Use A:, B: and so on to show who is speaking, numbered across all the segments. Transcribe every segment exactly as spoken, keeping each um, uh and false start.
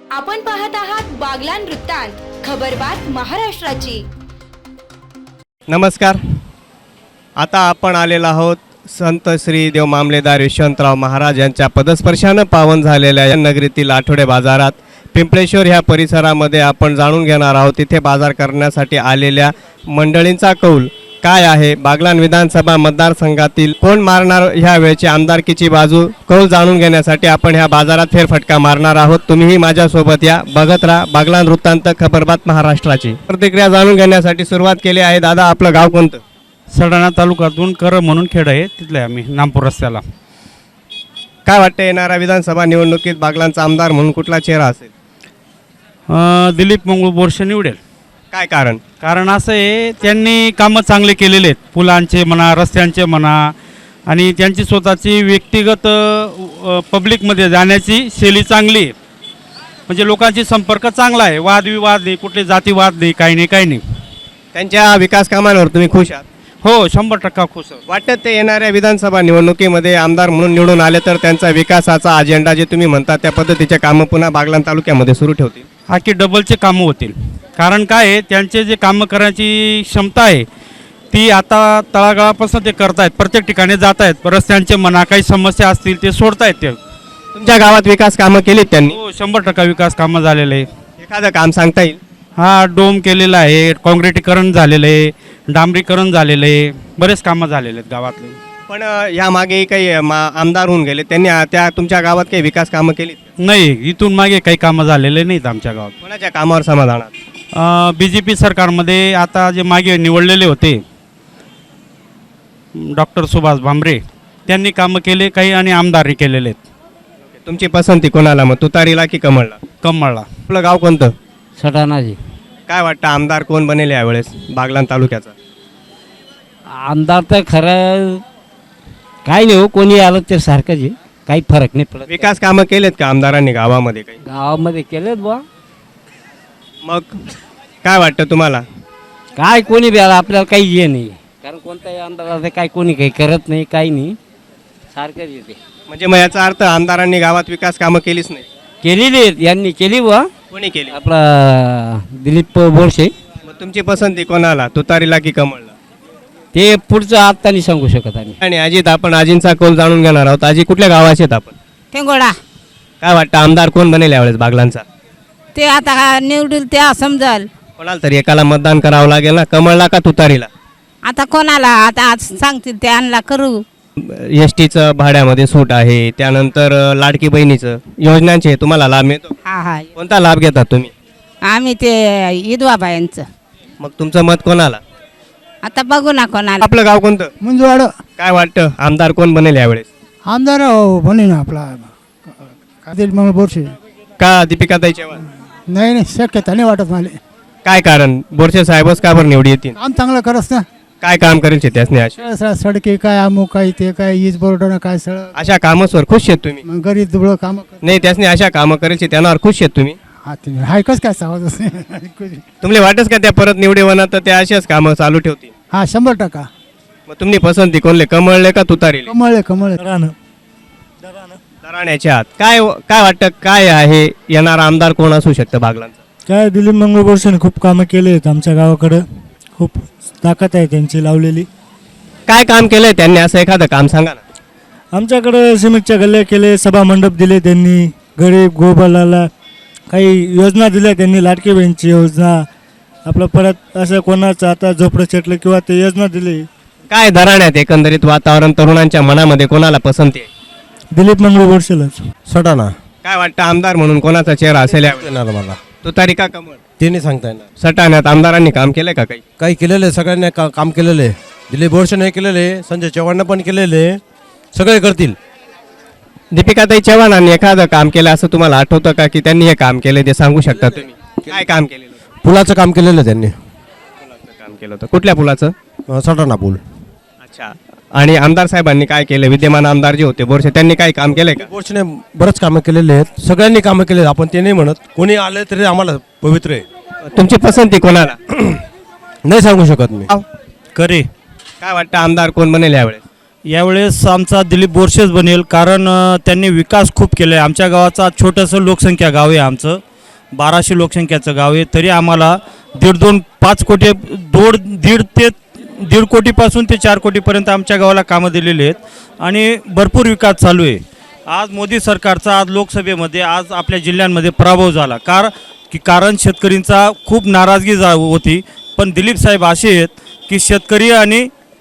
A: आपण पाहत आहात बागलान वृत्तांत, खबरबात महाराष्ट्राची।
B: नमस्कार। आता आपण आलेलो आहोत संत श्री देव मामलेदार यशवंतराव महाराज यांच्या पदस्पर्शानं पावन झालेल्या या नगरीतील आठवडे बाजारात पिंपळेश्वर ह्या परिसरामध्ये आपण जाणून घेणार आहोत। तिथे बाजार करण्यासाठी आलेल्या मंडळींचा कौल काय आहे, बागलान विधानसभा मतदारसंघातील कोण मारणार ह्या वेळची आमदारकीची बाजू, कौल जाणून घेण्यासाठी आपण ह्या बाजारात फेरफटका मारणार आहोत। तुम्हीही माझ्यासोबत या, बघत राहा बागलान वृत्तांत, खबरबात महाराष्ट्राची। प्रतिक्रिया जाणून घेण्यासाठी सुरुवात केली आहे। दादा, आपलं गाव कोणतं?
C: सडाणा तालुक्यातून कर म्हणून खेड आहे, तिथले आम्ही नामपूर रस्त्याला।
B: काय वाटतं, येणाऱ्या विधानसभा निवडणुकीत बागलांचा आमदार म्हणून कुठला चेहरा असेल?
C: अं, दिलीप मंगळ बोरसे निवडेल।
B: काय कारण?
C: कारण असं आहे, त्यांनी कामं चांगले केलेले आहेत, पुलांचे म्हणा, रस्त्यांचे म्हणा, आणि त्यांची स्वतःची व्यक्तिगत अ, पब्लिकमध्ये जाण्याची शैली चांगली आहे। म्हणजे लोकांची संपर्क चांगला आहे, वादविवाद नाही, कुठले जातीवाद नाही, काही नाही काही नाही।
B: त्यांच्या विकास कामांवर तुम्ही खुश आहात?
C: हो, शंभर टक्का खुश आहे।
B: वाटतं ते येणाऱ्या विधानसभा निवडणुकीमध्ये आमदार म्हणून निवडून आले तर त्यांचा विकासाचा अजेंडा जे तुम्ही म्हणता त्या पद्धतीचे कामं पुन्हा बागलान तालुक्यामध्ये सुरू ठेवतील?
C: हा की डबलचे कामं होतील। कारण काय आहे, त्यांचे जे कामं करण्याची क्षमता आहे ती आता तळागाळापासून ते करतायत, प्रत्येक ठिकाणी जात आहेत, रस्त्यांचे म्हणा, काही समस्या असतील ते सोडतायत ते।
B: तुमच्या गावात विकास कामं केलीत त्यांनी?
C: हो, शंभर टक्का विकास कामं झालेले आहे।
B: एखादं काम सांगता येईल?
C: हा, डोम केलेला आहे, काँक्रिटीकरण झालेलं आहे, डांबरीकरण झालेलं आहे, बरेच कामं झालेले आहेत गावातले।
B: पण अ, या मागेही काही अ, मा- आमदार होऊन गेले, त्यांनी अ, त्या तुमच्या गावात काही विकास कामं केलीत?
C: नाही, इथून मागे काही कामं झालेले नाहीत आमच्या गावात।
B: कोणाच्या कामावर समाधान आहात?
C: बी जे पी सरकारमध्ये आता जे मागे निवडलेले होते डॉक्टर सुभाष भामरे, त्यांनी कामं केले काही आणि आमदारही केलेले आहेत।
B: तुमची पसंती कोणाला, मग तुतारीला की कमळला?
C: कमळला।
B: आपलं गाव कोणतं?
D: सटाणाजी।
B: काय वाटतं, आमदार कोण बनेल यावेळेस बागलान तालुक्याचा?
D: आमदार तर खरं काही नाही हो, कोणी आलं तर सारखंच आहे, काही फरक नाही पडत।
B: विकास कामं केलेत का आमदारांनी गावामध्ये काही?
D: गावामध्ये केलेत बुवा,
B: मग काय वाटतं तुम्हाला?
D: काय कोणी बी आलं आपल्याला काही हे नाही, कारण कोणताही आमदार असं काही कोणी काही करत नाही, काही नाही, सारखंच येते।
B: म्हणजे मग याचा अर्थ आमदारांनी गावात विकास कामं केलीच नाही?
D: केलेली आहेत, यांनी केली बुवा,
B: कोणी केली?
D: आपला दिलीप बोरसे।
B: मग तुमची पसंती कोणाला, तुतारीला की कमळला?
D: ते पुढचं आता नाही सांगू शकत आम्ही।
B: आणि अजित, आपण आजींचा कौल जाणून घेणार आहोत। आजी, कुठल्या गावाचे आहेत आपण?
E: टेंगोडा।
B: काय वाटतं, आमदार कोण बनेल यावेळेस बागलांचा?
E: ते आता निवडील त्या समजाल,
B: कोणाला तरी एकाला मतदान करावं लागेल ना, कमळला का तुतारीला?
E: आता कोणाला आता आज सांगतील ते आणला करू।
B: एस टीचं भाड्यामध्ये सूट आहे, त्यानंतर अ, लाडकी बहिणीचं योजनांचे तुम्हाला लाभ मिळतो?
E: हा हा,
B: कोणता लाभ घेतात तुम्ही?
E: आम्ही ते विधवाबायांचं।
B: मग तुमचं मत कोणाला?
E: आता बघू ना कोणाला।
B: आपलं गाव कोणतं?
F: मंजुवाड।
B: काय वाटतं, आमदार कोण बनेल यावेळेस?
F: आमदार बने ना आपला दिलीप मंगळ बोरसे।
B: का दीपिकाताई चव्हाण?
F: नाही नाही, शक्यता नाही वाटत मला।
B: काय कारण, बोरसे साहेबच का बरं निवडी येतील?
F: काम चांगलं करस ना,
B: काय काम करेल त्यासने? अशा
F: सळ सडके काय अमुक काय ते काय ईज बोर्डनं काय सळ,
B: अशा कामावर खुश आहेत तुम्ही?
F: मग गरीब दुबळं काम
B: नाही, त्यासने अशा कामं करेल त्यांनावर खुश आहेत तुम्ही?
F: हाय कस काय सावध
B: तुम्हाला वाटच का त्या परत निवडे होणार तर त्या अशाच कामं चालू ठेवतील?
F: हा, शंभर टक्का।
B: मग तुम्ही पसंती कोणले, कमळले का तुतारीले?
F: कमळे कमळे
B: दराण्याच्या आत काय काय वाटतं, काय आहे येणारा आमदार कोण असू शकतं बागलांचा?
G: काय दिलीप मंगळ बोरसेने खूप कामं केले आहेत आमच्या गावाकडं, खूप ताकद आहे त्यांची लावलेली।
B: काय काम केलंय त्यांनी, असं एखादं काम सांगा ना।
G: आमच्याकडं सिमेंटच्या गल्ल्या केले, सभा मंडप दिले त्यांनी, गरीब गोबालाला काही योजना दिल्या त्यांनी, लाडकी बहीणची योजना, आपलं परत असं कोणाचं आता झोपडं चटलं किंवा ते योजना दिली।
B: काय दराण्यात एकंदरीत वातावरण, तरुणांच्या मनामध्ये कोणाला पसंती आहे?
G: दिलीप मंगळ बोरसेलाच।
H: सटाणा।
B: काय वाटतं, आमदार म्हणून कोणाचा चेहरा असेल यावेळी?
H: येणार मला
B: तुतारी का कमळ?
H: ते नाही सांगता येणार।
B: सटाण्यात आमदारांनी काम केलंय का काही?
H: काही केलेलं आहे, सगळ्यांनी का काम केलेलं आहे। दिलीप बोरसेने केलेलं आहे, संजय चव्हाणनं पण केलेलं आहे, सगळे करतील।
B: दीपिकाताई चव्हाणांनी एखादं काम केलं असं तुम्हाला आठवतं का, की त्यांनी हे काम केलं ते सांगू शकता तुम्ही? काय काम केलेलं?
H: पुलाचं काम केलेलं आहे त्यांनी।
B: पुलाचं काम केलं होतं? कुठल्या पुलाचं?
H: अं, सटाणा पूल।
B: अच्छा। आणि आमदार साहेबांनी काय केलं, विद्यमान आमदार जे होते बोरसे, त्यांनी काय काम केलंय का?
H: बोरसेने बरंच कामं केलेले आहेत, सगळ्यांनी कामं केले आहेत, आपण ते नाही म्हणत, कोणी आलं तरी आम्हाला पवित्र आहे।
B: तुमची पसंती कोणाला?
H: नाही सांगू शकत मी।
C: करे।
B: काय वाटतं, आमदार कोण बनेल यावेळेस?
C: यावेळेस आमचा दिलीप बोरसेच बनेल, कारण अ, त्यांनी विकास खूप केला आहे। आमच्या गावाचा छोटंसं लोकसंख्या गाव आहे आमचं, बाराशे लोकसंख्याचं गाव आहे, तरी आम्हाला दीड दोन पाच कोटी दोड दीड ते दीड कोटीपासून ते चार कोटीपर्यंत आमच्या गावाला कामं दिलेली आहेत आणि भरपूर विकास चालू आहे. आज मोदी सरकारचा आज लोकसभेमध्ये आज आपल्या जिल्ह्यांमध्ये पराभव झाला कार की कारण शेतकरींचा खूप नाराजगी जा होती. पण दिलीप साहेब असे आहेत की शेतकरी आणि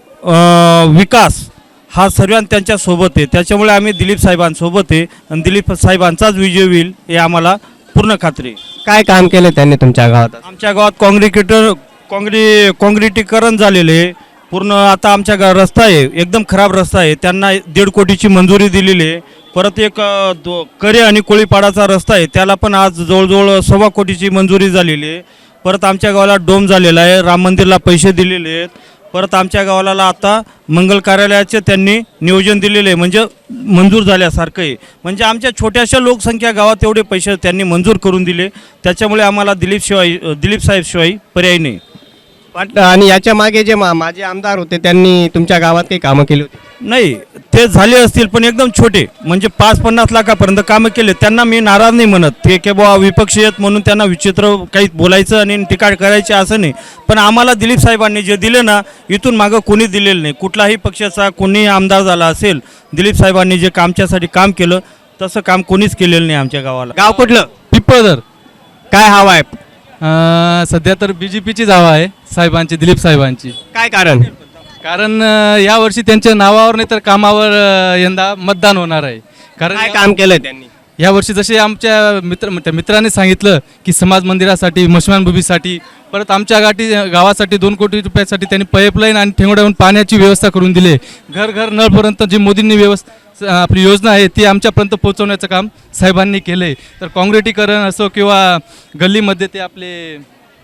C: अं, विकास हा सर्वांत त्यांच्यासोबत आहे. त्याच्यामुळे आम्ही दिलीप साहेबांसोबत आहे आणि दिलीप साहेबांचाच विजय होईल हे आम्हाला पूर्ण खात्री आहे.
B: काय काम केलं त्यांनी तुमच्या गावात?
C: आमच्या गावात काँक्रिटेटर काँक्री काँक्रिटीकरण झालेले आहे पूर्ण. आता आमच्या गा रस्ता आहे एकदम खराब रस्ता आहे, त्यांना दीड कोटीची मंजुरी दिलेली आहे. परत एक अ, दो करे आणि कोळीपाडाचा रस्ता आहे, त्याला पण आज जवळजवळ सव्वा कोटीची मंजुरी झालेली आहे. परत आमच्या गावाला डोम झालेला आहे, राम मंदिरला पैसे दिलेले आहेत. परत आमच्या गावाला आता मंगल कार्यालयाचे त्यांनी नियोजन दिलेले आहे, म्हणजे मंजूर झाल्यासारखं आहे. म्हणजे आमच्या छोट्याशा लोकसंख्या गावात एवढे पैसे त्यांनी मंजूर करून दिले. त्याच्यामुळे आम्हाला दिलीप शिवाय दिलीप साहेब शिवाय पर्याय नाही
B: वाटतं. आणि याच्या मागे जे मा माझे आमदार होते त्यांनी तुमच्या गावात काही कामं केली होती?
C: नाही, ते झाले असतील पण एकदम छोटे, म्हणजे पाच पन्नास लाखापर्यंत कामं केले. त्यांना मी नाराज नाही म्हणत, ते की बुवा विपक्षी आहेत म्हणून त्यांना विचित्र काही बोलायचं आणि टीका करायची असं नाही. पण आम्हाला दिलीप साहेबांनी जे दिले ना, इथून मागं कोणी दिलेलं नाही. कुठलाही पक्षाचा कोणी आमदार झाला असेल, दिलीप साहेबांनी जे कामच्यासाठी काम केलं तसं काम कोणीच केलेलं नाही आमच्या गावाला.
B: गाव कुठलं?
I: पिंपळदर.
B: काय हवा आहे?
I: अं, सध्या तर बी जे पीचीच हवा आहे साहेबांची, दिलीप साहेबांची.
B: काय कारण?
I: कारण अं, यावर्षी त्यांच्या नावावर नाही तर कामावर अं, यंदा मतदान होणार आहे. कारण
B: काय काम केलं त्यांनी?
I: यावर्षी जसे आमच्या मित्र त्या मित्राने सांगितलं की समाज मंदिरासाठी, मशमानभूमीसाठी, परत आमच्या गाठी गावासाठी दोन कोटी रुपयासाठी त्यांनी पाईपलाईन आणि ठेंगोड्यावरून पाण्याची व्यवस्था करून दिली. घर घर नळपर्यंत जी मोदींनी व्यवस्था आपली योजना आहे ती आमच्यापर्यंत पोहोचवण्याचं काम साहेबांनी केलं आहे. तर काँक्रिटीकरण असो किंवा गल्लीमध्ये ते आपले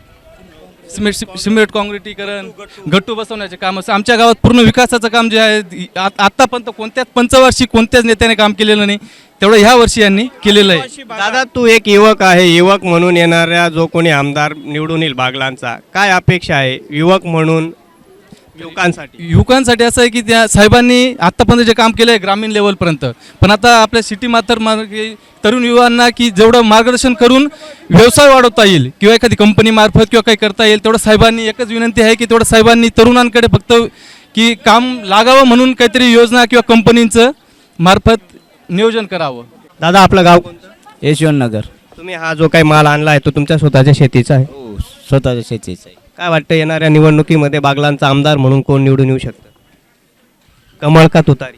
I: सिमेंट सिमेंट काँक्रिटीकरण, गट्टू बसवण्याचे काम असं आमच्या गावात पूर्ण विकासाचं काम जे आहे आ- आत्तापर्यंत कोणत्याच पंचवार्षिक कोणत्याच नेत्याने काम केलेलं नाही, तेवढं ह्या वर्षी यांनी केलेलं आहे.
B: दादा, तू एक युवक आहे, युवक म्हणून येणाऱ्या जो कोणी आमदार निवडून येईल बागलांचा, काय अपेक्षा आहे युवक म्हणून युवकांसाठी?
I: युवकांसाठी असं आहे की त्या साहेबांनी आत्तापर्यंत जे काम केलं आहे ग्रामीण लेवलपर्यंत, पण आता आपल्या सिटी मात्र मार्गे तरुण युवांना की जेवढं मार्गदर्शन करून व्यवसाय वाढवता येईल किंवा एखादी कंपनी मार्फत किंवा काही करता येईल तेवढं साहेबांनी एकच विनंती आहे की तेवढं साहेबांनी तरुणांकडे फक्त की काम लागावं म्हणून काहीतरी योजना किंवा कंपनींचं मार्फत नियोजन करावं.
B: दादा, आपलं गाव कोणतं?
D: यशवंतनगर.
B: तुम्ही हा जो काही माल आणला आहे तो तुमच्या स्वतःच्या शेतीचा आहे?
D: हो, स्वतःच्या शेतीचं आहे.
B: काय वाटतं येणाऱ्या निवडणुकीमध्ये बागलांचा आमदार म्हणून कोण निवडून येऊ शकतं? कमळ का तुतारी?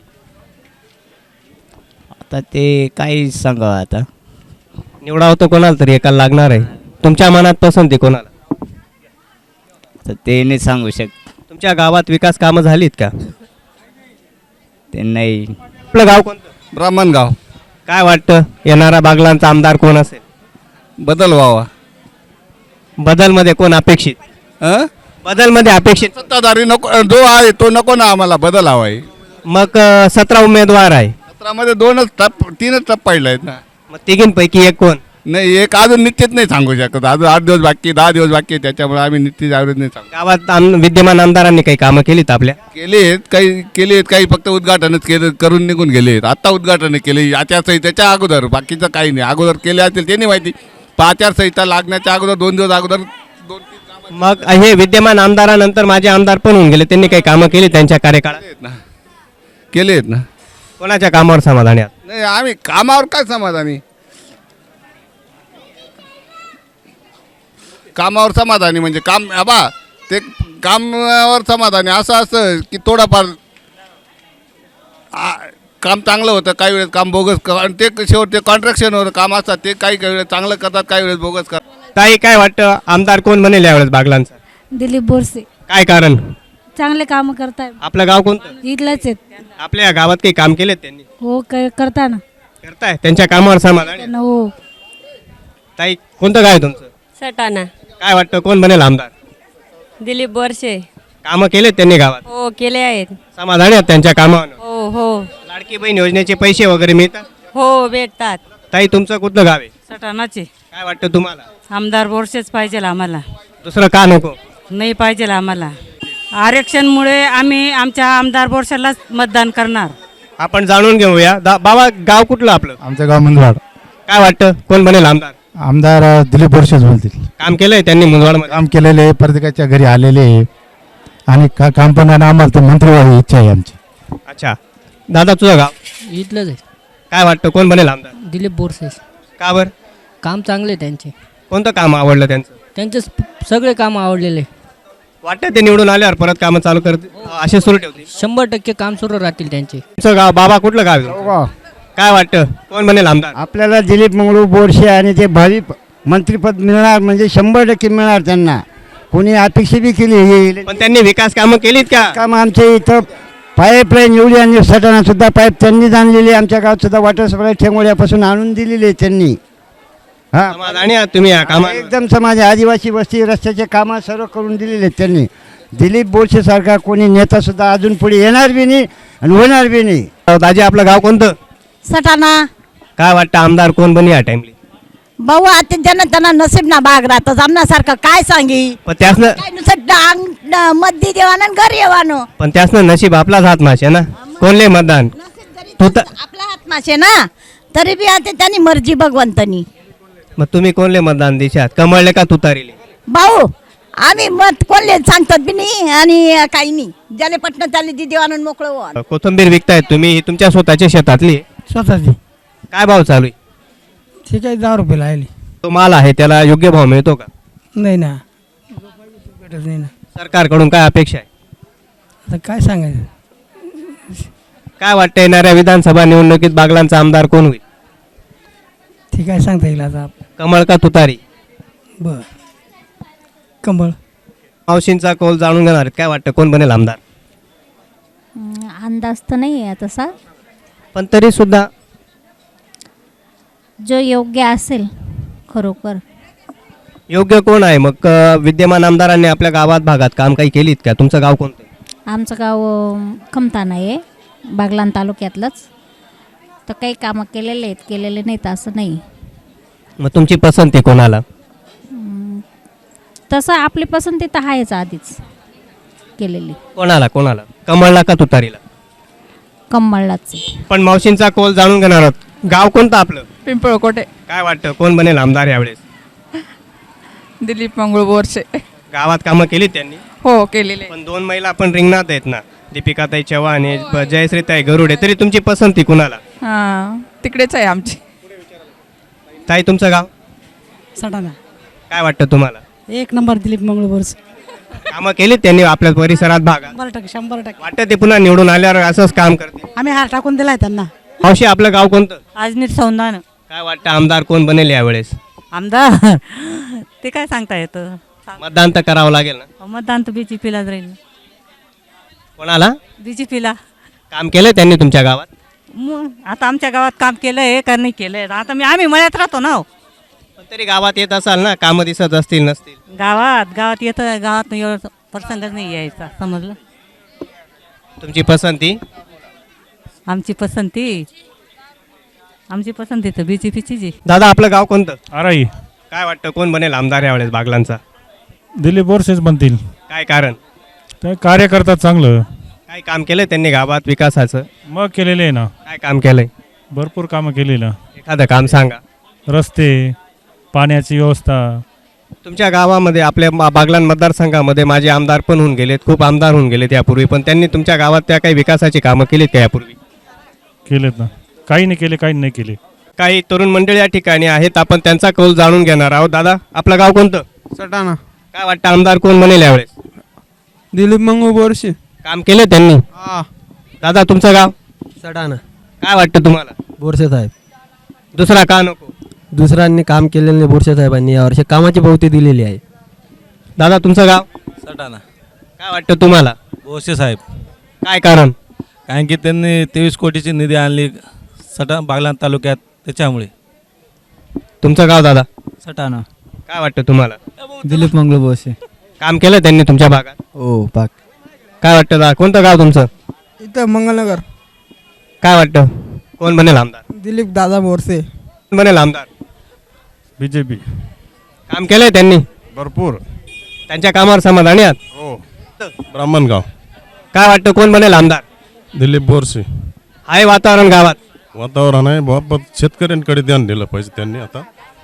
D: आता ते काही सांगावं आता.
B: निवडावं तर कोणाला तरी एकाला लागणार आहे. तुमच्या मनात पसंती कोणाला?
D: तर ते नाही सांगू शकत.
B: तुमच्या गावात विकास कामं झालीत का?
D: ते नाही.
B: आपलं गाव कोणतं?
J: ब्राह्मणगाव.
B: काय वाटतं येणारा बागलांचा आमदार कोण असेल?
J: बदल व्हावा.
B: बदलमध्ये कोण अपेक्षित?
J: अं?
B: बदलमध्ये अपेक्षित
J: सत्ताधारी नको, जो आहे तो नको ना, आम्हाला बदल हवा आहे.
B: मग अं, सतरा उमेदवार आहे,
J: सतरामध्ये दोनच टप तीनच टप पडले आहेत ना.
B: मग तिघींपैकी एक कोण?
J: नाही, एक अजून निश्चित नाही सांगू शकत. अजून आठ दिवस बाकी, दहा दिवस बाकी आहे, त्याच्यामुळे आम्ही निश्चित ॲव्हरेज नाही सांगू.
B: गावात आम विद्यमान आमदारांनी काही कामं केलीत आपल्या?
J: केले आहेत काही, केले आहेत काही, फक्त उद्घाटनच केलं करून निघून गेले आहेत. आत्ता उद्घाटन केले आचारसंहितेच्या अगोदर, बाकीचं काही नाही. अगोदर केले असतील ते नाही माहिती. पण आचारसंहिता लागण्याच्या अगोदर दोन दिवस अगोदर दोन तीन कामं
B: मग हे विद्यमान आमदारानंतर माझे आमदार पण होऊन गेले, त्यांनी काही कामं केली त्यांच्या कार्यकाळात?
J: केले आहेत ना, केले आहेत ना.
B: कोणाच्या कामावर समाधानी आहात?
J: नाही, आम्ही कामावर काय समाधानी, कामावर समाधानी म्हणजे काम बा ते कामावर समाधानी असं असं की थोडंफार आ, काम चांगलं होतं, काही वेळेस काम बोगस क- आणि ते शेवट ते कॉन्ट्रॅक्शनवर काम असतात, ते काही काही वेळेस चांगलं करतात, काही वेळेस बोगस करतात.
B: ताई, काय वाटतं आमदार कोण बनेल यावेळेस बागलांचा?
E: दिलीप बोरसे
B: काय कारण?
E: चांगले काम करताय.
B: आपलं गाव कोणतं?
E: इथलंच आहेत.
B: आपल्या गावात काही काम केलेत त्यांनी?
E: हो, क- करता ना.
B: करताय, त्यांच्या कामावर समाधानी?
E: त्यांना हो.
B: ताई, कोणतं गाव आहे तुमचं?
K: सटाणा.
B: काय वाटतं कोण बनेल आमदार?
K: दिलीप बोरसे.
B: कामं केलेत त्यांनी गावात?
K: हो, केले आहेत.
B: समाधानी आहेत त्यांच्या कामावर?
K: हो हो
B: लाडकी बहीण योजनेचे पैसे वगैरे मिळतात?
K: हो, भेटतात.
B: ताई, तुमचं कुठलं गाव आहे?
L: सटाणाचे.
B: काय वाटतं तुम्हाला?
L: आमदार बोरसेच पाहिजे आम्हाला,
B: दुसरं का नको?
L: नाही पाहिजे आम्हाला. आरक्षणमुळे आम्ही आमच्या आमदार बोरसेलाच मतदान करणार.
B: आपण जाणून घेऊया. दा- बाबा, गाव कुठलं आपलं?
G: आमचं गाव मंदवाड.
B: काय वाटतं कोण बनेल आमदार?
F: आमदार अ, दिलीप बोरसेच बोलतील.
B: काम केलंय त्यांनी मुंदवाडमध्ये?
F: काम केलेले आहे, प्रत्येकाच्या घरी आलेले आहे आणि का काम पण आणि आम्हाला तर मंत्री व्हायची इच्छा आहे आमची.
B: अच्छा दादा तुझं गाव
D: इथलंच आहे.
B: काय वाटतं कोण बनेल आमदार?
D: दिलीप बोरसे.
B: का बरं?
D: काम चांगले त्यांचे.
B: कोणतं काम आवडलं त्यांचं?
D: त्यांचे सगळे काम आवडलेले.
B: वाटतं ते निवडून आल्यावर परत कामं चालू करतील असे सुरू ठेवतील?
D: शंभर टक्के काम सुरू राहतील त्यांचे.
B: तुमचं गाव बाबा कुठलं गाव आहे तुमचं? काय वाटतं कोण बनेल आमदार?
F: आपल्याला दिलीप मंगळू बोरसे आणि ते भावी प- मंत्रिपद मिळणार म्हणजे शंभर टक्के मिळणार त्यांना. कोणी अपेक्षा बी केली हे
B: पण त्यांनी विकास कामं केलीत का?
F: काम आमच्या इथं पाईपलाईन एवढी आणि सटाणा सुद्धा पाईप त्यांनीच आणलेली. आमच्या गावात सुद्धा वॉटर सप्लाय ठेंगोड्यापासून आणून दिलेली आहे त्यांनी. हा
B: समाधानी आहात तुम्ही या कामा?
F: एकदम समाज आदिवासी वस्ती रस्त्याचे कामं सर्व करून दिलेले आहेत त्यांनी. दिलीप बोरसे सारखा कोणी नेता सुद्धा अजून पुढे येणार बी नाही आणि होणार बी नाही.
B: दाजी आपलं गाव कोणतं?
E: सटाणा.
B: काय वाटतं आमदार कोण बनी या टाइमली?
E: भाऊ आता ज्यांना त्यांना नसीब ना बाग राहतं आमनासारखं काय सांगी.
B: पण त्यासनं
E: काय नुसतं डांग ड- मद्दी देवानं आणि घर येवानो.
B: पण त्यासनं नशीब आपलाच हात माशे ना. कोणले मतदान तू तर
E: आपला हात मासे ना तरी बी आता त्यांनी मर्जी भगवंतनी.
B: मग तुम्ही कोणले मतदान देशात कमळले का तुतारीले?
E: भाऊ आम्ही मत कोणले सांगतात बी नाही आणि काही नाही. ज्याले पटणं त्याले दी देवानं मोकळं व्हा.
B: कोथंबीर विकतायत तुम्ही, ही तुमच्या स्वतःच्या शेतातली आहे?
F: स्वतःची.
B: काय भाव चालू आहे?
F: ठीक आहे, दहा रुपये लागली.
B: तो माल आहे त्याला योग्य भाव मिळतो का?
F: नाही ना, भेटत नाही ना.
B: सरकारकडून काय अपेक्षा आहे?
F: आता काय सांगायचं.
B: काय वाटतं येणाऱ्या विधानसभा निवडणुकीत बागलांचा आमदार कोण होईल?
F: ठीक आहे, सांगता येईल आता.
B: कमळ का तुतारी?
F: बर कमळ.
B: मावशींचा कौल जाणून घेणार आहेत. काय वाटतं कोण बनेल आमदार?
E: अंदाज तर नाही आहे तसा.
B: पण तरी सुद्धा
E: जो योग्य असेल खरोखर.
B: योग्य कोण आहे मग? अ, विद्यमान आमदारांनी आपल्या गावात भागात काम काही केलीत का? तुमचं गाव कोणतं?
E: आमचं गाव अं, खमताना आहे बागलाण तालुक्यातलंच. तर काही कामं केलेले आहेत केलेले नाहीत असं नाही.
B: मग तुमची पसंती कोणाला?
E: तसं आपली पसंती तर आहेच आधीच केलेली.
B: कोणाला कोणाला? कमळला का तुतारीला?
E: कमळलाच.
B: पण मावशींचा कौल जाणून घेणार आहोत. गाव कोणतं आपलं?
L: पिंपळकोटे.
B: काय वाटतं कोण बनेल आमदार यावेळेस?
L: दिलीप मंगळ बोरसे.
B: गावात कामं केली त्यांनी?
L: हो केलेले.
B: पण दोन महिला पण रिंगणात आहेत ना, दीपिकाताई चव्हाण आणि जयश्रीताई गरुडे. तरी तुमची पसंती कुणाला?
L: हां तिकडेच आहे आमची.
B: ताई तुमचं गाव?
F: सटाणा.
B: काय वाटतं तुम्हाला?
F: एक नंबर दिलीप मंगळ बोरसे.
B: कामं केलीत त्यांनी आपल्या परिसरात भागात?
F: शंभर टक्के शंभर टक्के.
B: वाटतं ते पुन्हा निवडून आल्यावर असंच काम करतील?
F: आम्ही हार टाकून दिलाय त्यांना.
B: मावशी आपलं गाव कोणतं?
L: आजनीर सौंदान.
B: काय वाटतं आमदार कोण बनेल यावेळेस?
L: आमदार ते काय सांगता येतं.
B: मतदान तर करावं लागेल ना.
L: मतदान तर बी जे पीलाच राहील.
B: कोणाला?
L: बी जे पीला.
B: काम केलं त्यांनी तुमच्या गावात?
L: मग आता आमच्या गावात काम केलं आहे का नाही केलं आहे. आता मी आम्ही मळ्यात राहतो ना.
B: पण तरी गावात येत असाल ना, कामं दिसत असतील नसतील?
L: गावात गावात येतं गावात एवढं प्रसंगच नाही यायचा समजलं.
B: तुमची पसंती?
L: आमची पसंती आमची पसंती तर बी जे पीची जी.
B: दादा आपलं गाव कोणतं?
C: आराई.
B: काय वाटतं कोण बनेल आमदार यावेळेस बागलांचा?
C: दिलीप बोरसेच बनतील.
B: काय कारण?
C: ते कार्य करतात चांगलं.
B: काय काम केलं त्यांनी गावात विकासाचं?
C: मग केलेले आहे ना,
B: काय काम केलंय?
C: भरपूर कामं केलेलं.
B: एखादं काम सांगा.
C: रस्ते, पाण्याची व्यवस्था.
B: तुमच्या गावामध्ये आपल्या मा- बागलाण मतदारसंघामध्ये माझे आमदार पण होऊन गेलेत, खूप आमदार होऊन गेलेत यापूर्वी. पण त्यांनी तुमच्या गावात त्या काही विकासाची कामं केलीत का यापूर्वी?
C: केलेत ना, काही नाही केले, काही नाही केले.
B: काही तरुण मंडळी या ठिकाणी आहेत, आपण त्यांचा कौल जाणून घेणार आहोत. दादा आपलं गाव कोणतं?
F: सटाणा.
B: काय वाटतं आमदार कोण बनेल यावेळेस?
F: दिलीप मंगळ बोरसे.
B: काम केलं त्यांनी?
F: हा.
B: दादा तुमचं गाव?
H: सटाणा.
B: काय वाटतं तुम्हाला?
H: बोरसे साहेब.
B: दुसरा का नको?
H: दुसऱ्यांनी काम केलेले बोरसे साहेबांनी यावर्षी कामाची पावती दिलेली आहे.
B: दादा तुमचं गाव?
I: सटाणा.
B: काय वाटतं तुम्हाला?
I: बोरसे साहेब.
B: काय कारण?
I: कारण की त्यांनी तेवीस कोटीची निधी आणली सटा बागलाण तालुक्यात त्याच्यामुळे.
B: तुमचं गाव दादा?
H: सटाणा.
B: काय वाटतं तुम्हाला?
H: दिलीप मंगळ बोरसे.
B: काम केलं त्यांनी तुमच्या भागात?
H: हो पाक.
B: काय वाटतं दादा कोणतं गाव तुमचं?
F: इथं मंगलनगर.
B: काय वाटतं कोण बनेल आमदार?
F: दिलीप दादा बोरसे.
B: कोण बनेल आमदार?
C: B J P.
B: काम केलंय त्यांनी?
J: भरपूर.
B: त्यांच्या कामावर समाधानी आहात?
J: हो. ब्राह्मणगाव.
B: काय वाटतं कोण बनेल आमदार?
J: दिलीप बोरसे.
B: आहे वातावरण गावात?
J: वातावरण आहे बाबत शेतकऱ्यांकडे ध्यान दिलं पाहिजे त्यांनी. आता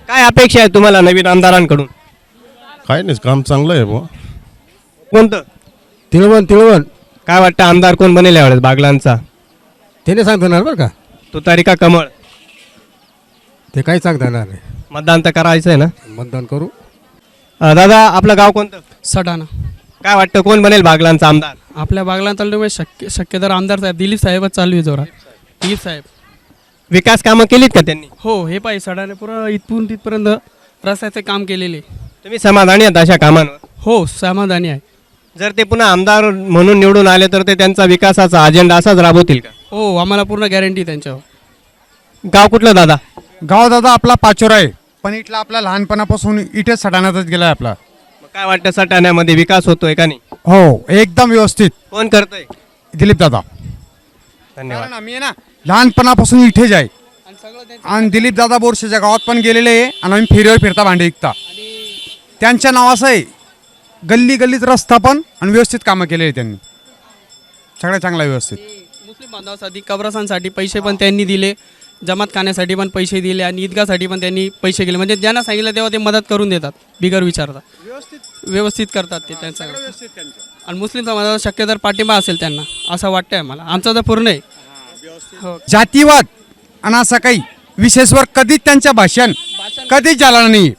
B: काय अपेक्षा आहे तुम्हाला नवीन आमदारांकडून?
H: काय नाही, काम चांगलं आहे बुवा.
B: कोणतं?
H: तिळवण तिळवण
B: काय वाटतं आमदार कोण बनेल यावेळेस बागलांचा?
H: त्याने सांगता येणार बरं का,
B: तुतारी का कमळ?
H: ते काही सांगता येणार नाही.
B: मतदान तर करायचं आहे ना.
H: मतदान करू.
B: अ, दादा आपलं गाव कोणतं?
M: सटाणा.
B: काय वाटतं कोण बनेल बागलांचा आमदार?
M: आपल्या बागला तालुक्यामध्ये शक्य शक्यतर आमदार साहेब दिलीप साहेबच चालू आहे जोरात. दिलीप साहेब.
B: विकास कामं केलीत का त्यांनी?
M: हो, हे पाहिजे सटाणे पुरा इथून तिथपर्यंत रस्त्याचे काम केलेले.
B: तुम्ही समाधानी आहात अशा कामांवर?
M: हो, समाधानी आहे.
B: जर ते पुन्हा आमदार म्हणून निवडून आले तर ते त्यांचा विकासाचा अजेंडा असाच राबवतील का?
M: हो, आम्हाला पूर्ण गॅरंटी त्यांच्यावर.
B: गाव कुठलं दादा?
N: गाव दादा आपला पाचोरा आहे, पण इथला आपला लहानपणापासून इथेच सटाण्यातच गेला आहे आपला.
B: मग काय वाटतं सटाण्यामध्ये विकास होतोय का नाही?
N: हो, एकदम व्यवस्थित.
B: कोण करतंय?
N: दिलीप दादा.
B: धन्यवाद.
N: कारण आम्ही आहे ना लहानपणापासून इथेच आहे, आणि दिलीप दादा बोरशेच्या गावात पण गेलेले आहे, आणि आम्ही फेरीवर फिरता भांडे विकता. त्यांच्या नावाचं आहे. गल्ली गल्लीत रस्ता पण आणि व्यवस्थित कामं केलेली आहे त्यांनी, सगळ्या चांगला व्यवस्थित.
M: मुस्लिम बांधवासाठी कब्रस्तानसाठी पैसे पण त्यांनी दिले, जमात खाण्यासाठी पण पैसे दिले, आणि ईदगासाठी पण त्यांनी पैसे केले. म्हणजे ज्यांना सांगितलं तेव्हा ते मदत करून देतात बिगर विचारता. व्यवस्थित व्यवस्थित करतात ते त्यांचं. आणि मुस्लिम समाजाचा शक्यतर पाठिंबा असेल त्यांना असं वाटतंय मला. आमचा तर पूर्ण आहे. हो.
N: जातीवाद आणि असं काही विशेषवर कधीच त्यांच्या भाषण कधीच झालं नाही.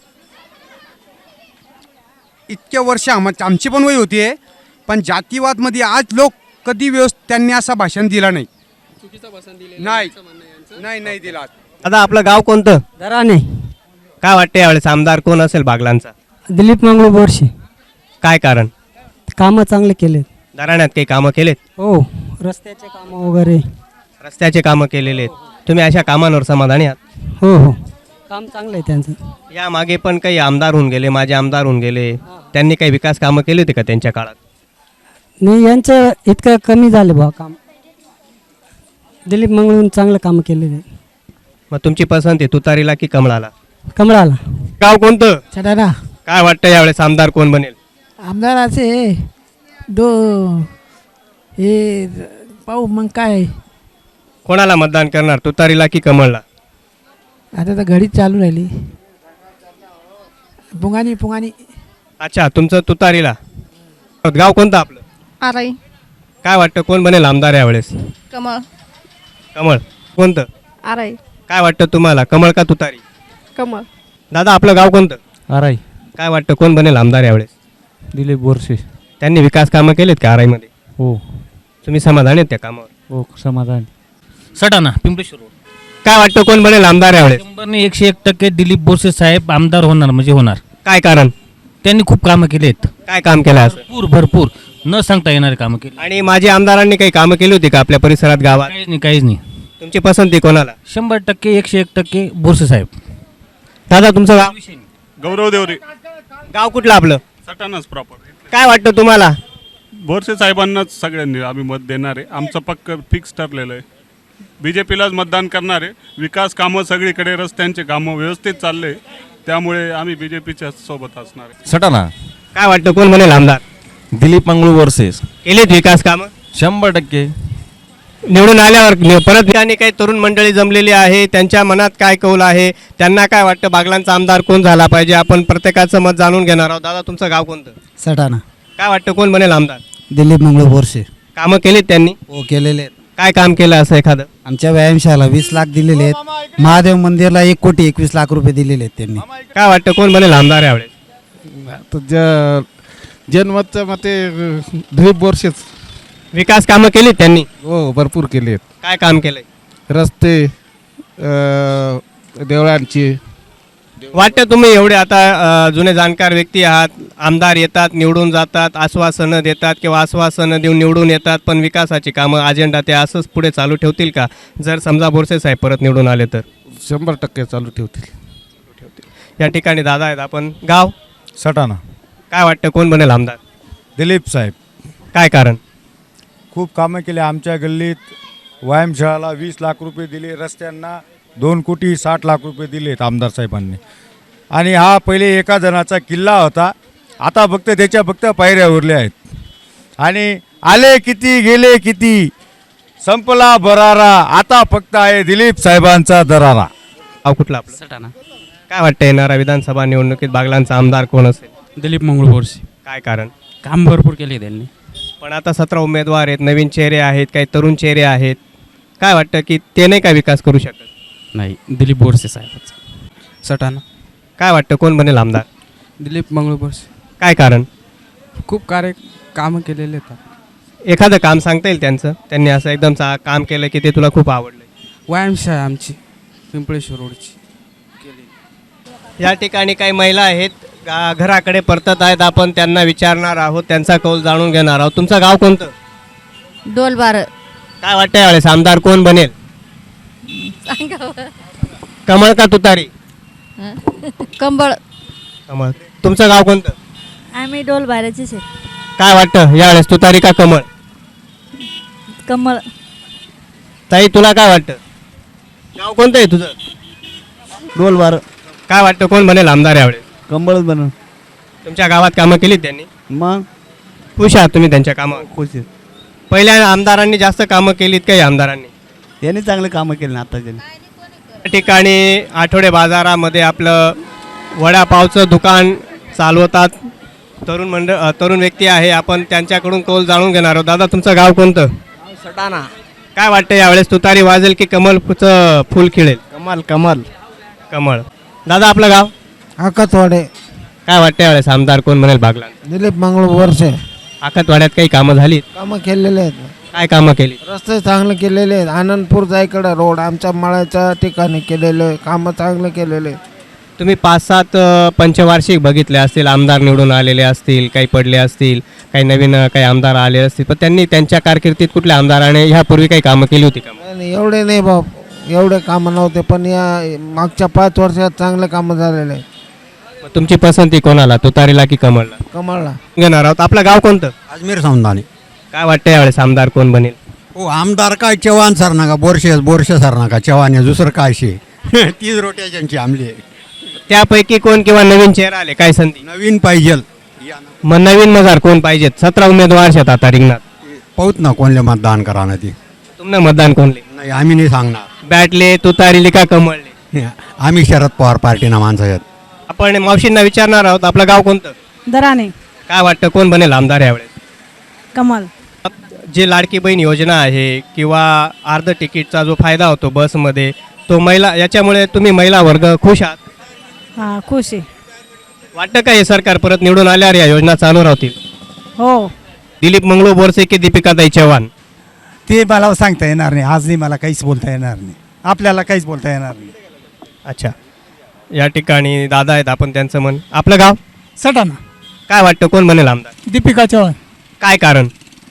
N: इतक्या वर्ष आम आमची पण वय होती आहे, पण जातीवादमध्ये आज लोक कधी व्यवस्थित त्यांनी असं भाषण दिलं नाही.
M: चुकीचं भाषण दिले
N: नाही नाही नाही दिला.
B: दादा आपलं गाव कोणतं?
D: दराने.
B: काय वाटतं यावेळेस आमदार कोण असेल बागलांचा?
D: दिलीप मंगळू बोरशे.
B: काय कारण?
D: कामं चांगले केले.
B: दराण्यात काही कामं केलेत?
D: हो, रस्त्याचे कामं वगैरे.
B: रस्त्याचे कामं केलेले आहेत. तुम्ही अशा कामांवर समाधानी आहात?
D: हो हो, काम चांगलं आहे त्यांचं.
B: या मागे पण काही आमदार होऊन गेले, माझे आमदार होऊन गेले, त्यांनी काही विकास कामं केली होती का त्यांच्या काळात?
D: नाही, यांचं इतकं कमी झालं बा काम. दिलीप मंगळून चांगलं काम केलेलं.
B: मग तुमची पसंती तुतारीला की कमळाला?
D: कमळाला.
B: गाव कोणतं?
O: सटाणा.
B: काय वाटतं यावेळेस आमदार कोण बनेल?
O: आमदार असे दो हे पाहू मग काय.
B: कोणाला मतदान करणार, तुतारीला की कमळला?
O: आता तर घडीच चालू राहिली. पुंगानी पुंगानी.
B: अच्छा, तुमचं तुतारीला. गाव कोणतं आपलं?
A: आराई.
B: काय वाटतं कोण बनेल आमदार यावेळेस?
A: कमळ.
B: कमळ. कोणतं?
A: आराई.
B: काय वाटतं तुम्हाला, कमळ का तुतारी?
A: कमळ.
B: दादा आपलं गाव कोणतं?
C: आराई.
B: काय वाटतं कोण बनेल आमदार यावेळेस?
C: दिलीप बोरसे.
B: त्यांनी विकास कामं केलेत का आराईमध्ये?
C: हो
B: तुम्ही समाधानी आहेत त्या कामावर?
C: हो, समाधान.
P: सटाणा पिंपळेश्वर.
B: काय वाटतं कोण बनेल आमदार यावेळेस?
P: शंभरने एकशे एक टक्के दिलीप बोरसे साहेब आमदार होणार म्हणजे होणार.
B: काय कारण?
P: त्यांनी खूप कामं केलेत.
B: काय काम केलं असं?
P: भरपूर भरपूर न सांगता येणारे कामं केली.
B: आणि माझी आमदारांनी काही कामं केली होती का आपल्या परिसरात, गावात?
P: काहीच नाही काहीच नाही.
B: तुमची पसंती कोणाला?
P: शंभर टक्के एकशे एक टक्के बोरसे साहेब.
B: दादा तुमचं गाव?
Q: गौरव देवरे.
B: गाव कुठलं आपलं?
Q: सटाणाच प्रॉपर.
B: काय वाटतं तुम्हाला?
Q: बोरसे साहेबांनाच सगळ्यांनी आम्ही मत देणार आहे. आमचं पक्क फिक्स ठरलेलं आहे. बी जे पीलाच मतदान करणार आहे. विकास कामं सगळीकडे, रस्त्यांचे कामं व्यवस्थित चालले, त्यामुळे आम्ही बी जे पीच्या सोबत असणार आहे.
H: सटाणा.
B: काय वाटतं कोण बनेल आमदार?
H: दिलीप मंगळू बोरसे.
B: केलेत विकास कामं?
H: शंभर टक्के.
B: निवडून आल्यावर नि- परत ठिकाणी काही तरुण मंडळी जमलेली आहे, त्यांच्या मनात काय कौल आहे, त्यांना काय वाटतं बागलांचा आमदार कोण झाला पाहिजे, आपण प्रत्येकाचं मत जाणून घेणार आहोत. दादा तुमचं गाव कोणतं?
F: सटाणा.
B: काय वाटतं कोण बनेल आमदार?
F: दिलीप मंगळू बोरसे.
B: कामं केलीत त्यांनी?
F: हो, केलेले आहेत.
B: काय काम केलं असं एखादं?
F: आमच्या व्यायामशाला वीस लाख दिलेले आहेत. महादेव मंदिरला एक कोटी एकवीस लाख रुपये दिलेले आहेत त्यांनी.
B: काय वाटतं कोण बनेल आमदार यावेळेस?
R: जनमतच्या मते दिलीप बोरसेच.
B: विकास कामं केलीत त्यांनी?
R: हो, भरपूर केले आहेत.
B: काय काम केलंय?
R: रस्ते, अ, देवळांची.
B: वाटतं तुम्ही एवढे आता अ, जुने जाणकार व्यक्ती आहात, आमदार येतात निवडून जातात, आश्वासनं देतात किंवा आश्वासनं देऊन निवडून येतात, पण विकासाची कामं अजेंडा ते असंच पुढे चालू ठेवतील का जर समजा बोरसे साहेब परत निवडून आले तर?
R: शंभर टक्के चालू ठेवतील.
B: या ठिकाणी दादा आहेत. आपण गाव?
S: सटाणा.
B: काय वाटतं कोण बनेल आमदार?
S: दिलीप साहेब.
B: काय कारण?
S: खूप कामं केले. आमच्या गल्लीत व्यायामशाळाला वीस लाख रुपये दिले, रस्त्यांना दोन कोटी साठ लाख रुपये दिलेत आमदार साहेबांनी. आणि हा पहिले एका जणाचा किल्ला होता, आता फक्त त्याच्या फक्त पायऱ्या उरल्या आहेत. आणि आले किती गेले किती, संपला बरारा, आता फक्त आहे दिलीप साहेबांचा दरारा.
B: गाव कुठला आपलं?
P: सटाणा.
B: काय वाटतं येणाऱ्या विधानसभा निवडणुकीत बागलांचा आमदार कोण असेल?
C: दिलीप मंगळू बोरसे.
B: काय कारण?
C: काम भरपूर केले त्यांनी.
B: पण आता सतरा उमेदवार आहेत, नवीन चेहरे आहेत, काही तरुण चेहरे आहेत. काय वाटतं की ते नाही का विकास करू शकत?
C: नाही, दिलीप बोरसे साहेबच.
M: सटाणा.
B: काय वाटतं कोण बनेल आमदार?
M: दिलीप मंगळू बोरसे.
B: काय कारण?
M: खूप कार्य कामं केलेले आहेत.
B: एखादं काम सांगता येईल त्यांचं, त्यांनी असं एकदम चा काम केलं की ते तुला खूप आवडलं?
M: व्यायामशाळा आमची पिंपळेश्वर रोडची.
B: या ठिकाणी काही महिला आहेत, गा- घराकडे परतत आहेत. आपण त्यांना विचारणार आहोत, त्यांचा कौल जाणून घेणार आहोत. तुमचं गाव कोणतं?
E: डोलबार.
B: काय वाटतं यावेळेस आमदार कोण बनेल? कमळ का तुतारी?
E: कंबळ.
B: कमळ. तुमचं गाव कोणतं?
E: आम्ही डोलबाराचेच आहे.
B: काय वाटतं यावेळेस तुतारी का कमळ?
E: कमळ.
B: ताई तुला काय वाटतं? गाव कोणतं आहे तुझं?
F: डोलबार.
B: काय वाटतं कोण बनेल आमदार यावेळेस?
F: कंबळच बनव.
B: तुमच्या गावात कामं केलीत त्यांनी?
F: मग
B: खुश आहात तुम्ही त्यांच्या कामावर?
F: खुश आहे.
B: पहिल्या आमदारांनी जास्त कामं केलीत काही आमदारांनी?
F: यांनी चांगले कामं केले ना आता त्यांनी.
B: या ठिकाणी आठवडे बाजारामध्ये आपलं वडापावचं दुकान चालवतात तरुण मंडळ अ, तरुण व्यक्ती आहे. आपण त्यांच्याकडून कौल जाणून घेणार आहोत. दादा तुमचं गाव कोणतं?
F: सटाणा.
B: काय वाटतं यावेळेस तुतारी वाजेल की कमलचं फुल खिळेल?
F: कमाल कमाल.
B: कमळ. दादा आपलं गाव?
O: आकतवाडे.
B: काय वाटतं यावेळेस आमदार कोण बनेल बागला?
O: दिलीप मंगळू बोरसे.
B: आखतवाड्यात काही कामं झालीत?
O: कामं केलेले आहेत.
B: काय कामं केली?
O: रस्ते चांगले केलेले आहेत. आनंदपूर जायकडे रोड आमच्या मळ्याच्या ठिकाणी केलेले कामं चांगले केलेले.
B: तुम्ही पाच सात अ, पंचवार्षिक बघितले असतील, आमदार निवडून आलेले असतील, काही पडले असतील, काही नवीन अ, काही आमदार आले असतील, पण त्यांनी त्यांच्या कारकिर्दीत कुठल्या आमदाराने ह्यापूर्वी काही कामं केली होती का?
O: आणि एवढे नाही बाप, एवढे कामं नव्हते, पण या मागच्या पाच वर्षात चांगले कामं झालेले आहेत.
B: मग तुमची पसंती कोणाला, तुतारीला की कमळला?
O: कमळला.
B: घेणार आहोत. आपलं गाव कोणतं?
T: अजमेर समदानी.
B: काय वाटतं यावेळेस आमदार कोण बनेल?
T: हो आमदार काय चव्हाण सर नका, बोरशे बोरशे सर नका, चव्हाण आहे, दुसरं काय शे तीच रोटेशनची आमली आहे.
B: त्यापैकी कोण किंवा नवीन चेहरा आले काय संधी?
T: नवीन पाहिजे.
B: मग नवीन मजार कोण पाहिजेत? सतरा उमेदवार आहेत आता रिंगणात.
T: पाहूत ना कोणले मतदान करा ना ती.
B: तुमनं मतदान कोणले?
T: नाही आम्ही नाही सांगणार.
B: बॅटले, तुतारीले का कमळले?
T: आम्ही शरद पवार पार्टीना माणसं आहेत.
B: आपण मावशींना विचारणार आहोत. आपलं गाव कोणतं?
L: दराने.
B: काय वाटतं कोण बनेल आमदार यावेळेस?
L: कमल.
B: जे लाडकी बहीण योजना आहे किंवा अर्ध तिकीटचा जो फायदा होतो बसमध्ये, तो महिला याच्यामुळे तुम्ही महिला वर्ग खुश आहात?
L: हां खुश आहे.
B: वाटतं का हे सरकार परत निवडून आल्यावर या योजना चालू राहतील?
L: हो.
B: दिलीप मंगळू बोरसे की दीपिकाताई चव्हाण?
U: ते मला सांगता येणार नाही. आज नाही मला काहीच बोलता येणार नाही. आपल्याला काहीच बोलता येणार नाही.
B: अच्छा. या ठिकाणी दादा आहेत, आपण त्यांचं मन. आपलं गाव?
G: सटाणा.
B: काय वाटतं कोण बनेल आमदार?
G: दीपिका चव्हाण.
B: काय कारण?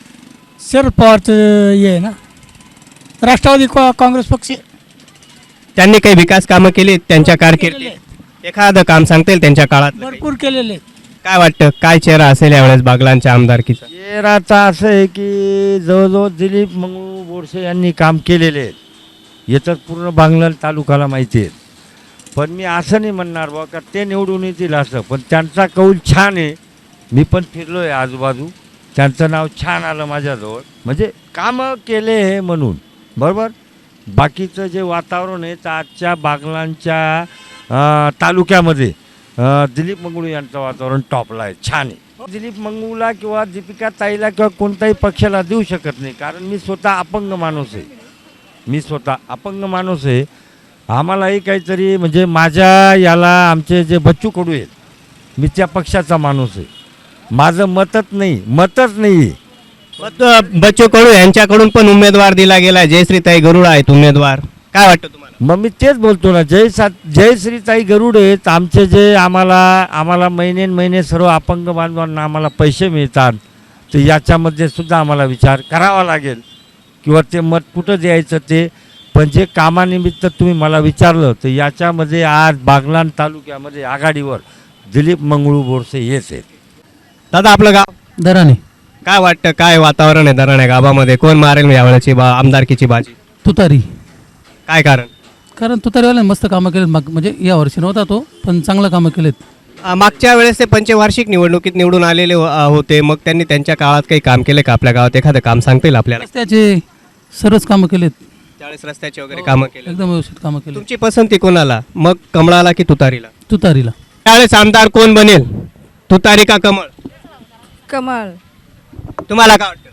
G: शरद पवारचं हे आहे ना, राष्ट्रवादी का- काँग्रेस पक्ष.
B: त्यांनी काही विकास कामं केली त्यांच्या कारकिर्दीत? एखादं काम सांगता येईल त्यांच्या काळात?
G: भरपूर केलेले.
B: काय वाटतं काय चेहरा असेल यावेळेस बागलांच्या आमदारकीचा?
F: चेहराचा असं आहे की जवळजवळ दिलीप मंगळू बोरसे यांनी काम केलेले आहेत. याच्यात पूर्ण बांगलाण तालुक्याला माहिती आहे. पण मी असं नाही म्हणणार बा का ते निवडून येतील असं, पण त्यांचा कौल छान आहे. मी पण फिरलो आहे आजूबाजू, त्यांचं नाव छान आलं माझ्याजवळ, म्हणजे कामं केले हे म्हणून. बरोबर. बाकीचं जे वातावरण आहे तर आजच्या बागलांच्या अं, तालुक्यामध्ये अं, दिलीप मंगळू यांचं वातावरण टॉपला आहे, छान आहे. दिलीप मंगळूला किंवा दीपिका ताईला किंवा कोणत्याही पक्षाला देऊ शकत नाही, कारण मी स्वतः अपंग माणूस आहे. मी स्वतः अपंग माणूस आहे. आम्हालाही काहीतरी म्हणजे माझ्या याला आमचे जे बच्चू कडू आहेत, मी त्या पक्षाचा माणूस आहे. माझं मतच नाही, मतच नाही.
B: मग बच्चू कडू यांच्याकडून पण उमेदवार दिला गेला, जयश्रीताई गरुड आहेत उमेदवार. काय वाटतं तुम्हाला?
F: मग मी तेच बोलतो ना, जय सा जयश्रीताई गरुड आहेत आमचे, जे आम्हाला आम्हाला महिने महिने सर्व अपंग बांधवांना आम्हाला पैसे मिळतात. तर याच्यामध्ये सुद्धा आम्हाला विचार करावा लागेल किंवा ते मत कुठं द्यायचं ते. पण जे कामानिमित्त तुम्ही मला विचारलं तर याच्यामध्ये आज बागलाण तालुक्यामध्ये आघाडीवर दिलीप मंगळू बोरसे हेच आहेत.
B: दादा आपलं गाव?
P: दराने.
B: काय वाटतं काय वातावरण आहे दराणे गावामध्ये? कोण मारेल यावेळेची बा आमदारकीची बाजी?
P: तुतारी.
B: काय कारण?
P: कारण तुतारीवाल्याने मस्त कामं केलेत. माग म्हणजे या वर्षी नव्हता तो, पण चांगलं कामं केलेत.
B: अ, मागच्या वेळेस ते पंचवार्षिक निवडणुकीत निवडून आलेले हो- अ, होते. मग त्यांनी त्यांच्या काळात काही काम केले का आपल्या गावात? एखादं काम सांगता येईल आपल्याला?
P: रस्त्याचे सर्वच कामं केलेत.
B: त्यावेळेस रस्त्याची वगैरे कामं केली
P: एकदम व्यवस्थित कामं केली.
B: तुमची पसंती कोणाला, मग कमळाला की तुतारीला?
P: तुतारीला.
B: त्यावेळेस आमदार कोण बनेल, तुतारी का कमळ?
K: कमळ.
B: तुम्हाला काय वाटतं?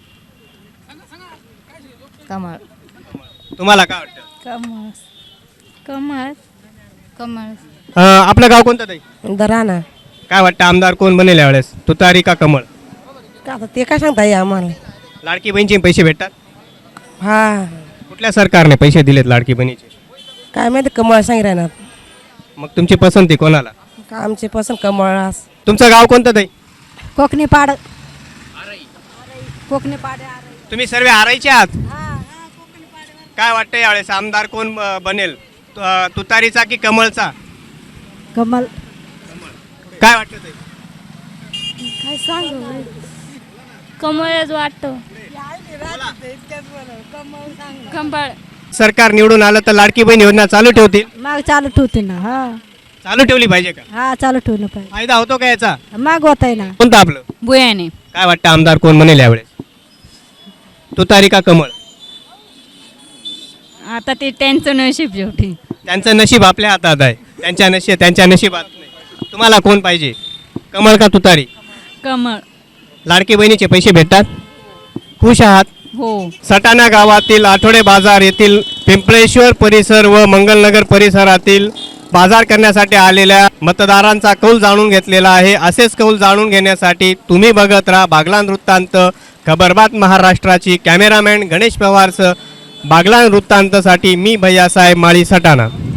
K: कमळ.
B: तुम्हाला काय वाटतं?
K: कमळ. कमळ. कमळ.
B: अं, आपलं गाव कोणतं ताई?
K: दराणा.
B: काय वाटतं आमदार कोण बनेल यावेळेस, तुतारी का कमळ?
K: का आता ते काय सांगता येईल आम्हाला?
B: लाडकी बहिणीचे पैसे भेटतात?
K: हा.
B: कुठल्या सरकारने पैसे दिलेत लाडकी बहिणीचे?
K: काय माहिती कमळ सांग राहणार.
B: मग तुमची पसंती कोणाला?
K: का आमचे पसंत कमळ.
B: तुमचं गाव कोणतं ताई?
K: कोकणी पाड. कोकणी पाड.
B: तुम्ही सर्व आरायचे आहात? काय वाटतं यावेळेस आमदार कोण अं, बनेल, तु- अं, तुतारीचा की कमळचा?
K: कमल.
B: काय वाटतं ताई?
K: काय सांगू कमळच वाटतो. कमळ.
B: सरकार निवडून आलं तर लाडकी बहीण योजना चालू ठेवतील?
K: माग चालू ठेवते ना. हा.
B: चालू ठेवली पाहिजे का?
K: हा चालू ठेवलं पाहिजे.
B: फायदा होतो का याचा?
K: माग होत आहे ना.
B: कोणतं आपलं?
K: बुयाने.
B: काय वाटतं आमदार कोण बनेल यावेळेस, तुतारी का कमळ?
K: आता ते त्यांचं नशीब शेवटी.
B: त्यांचं नशीब आपल्या हातात आहे, त्यांच्या नशीब त्यांच्या नशिबात नाही. तुम्हाला कोण पाहिजे, कमळ का तुतारी?
K: कमळ.
B: लाडकी बहिणीचे पैसे भेटतात? खुश आहात?
K: हो.
B: सटाणा गावातील आठवडे बाजार येथील पिंपळेश्वर परिसर व मंगलनगर परिसरातील बाजार करण्यासाठी आलेल्या मतदारांचा कौल जाणून घेतलेला आहे. असेच कौल जाणून घेण्यासाठी तुम्ही बघत राहा बागलाण वृत्तांत, खबरबात महाराष्ट्राची. कॅमेरामॅन गणेश पवारसह बागलाण वृत्तांतसाठी मी भैयासाहेब माळी, सटाणा.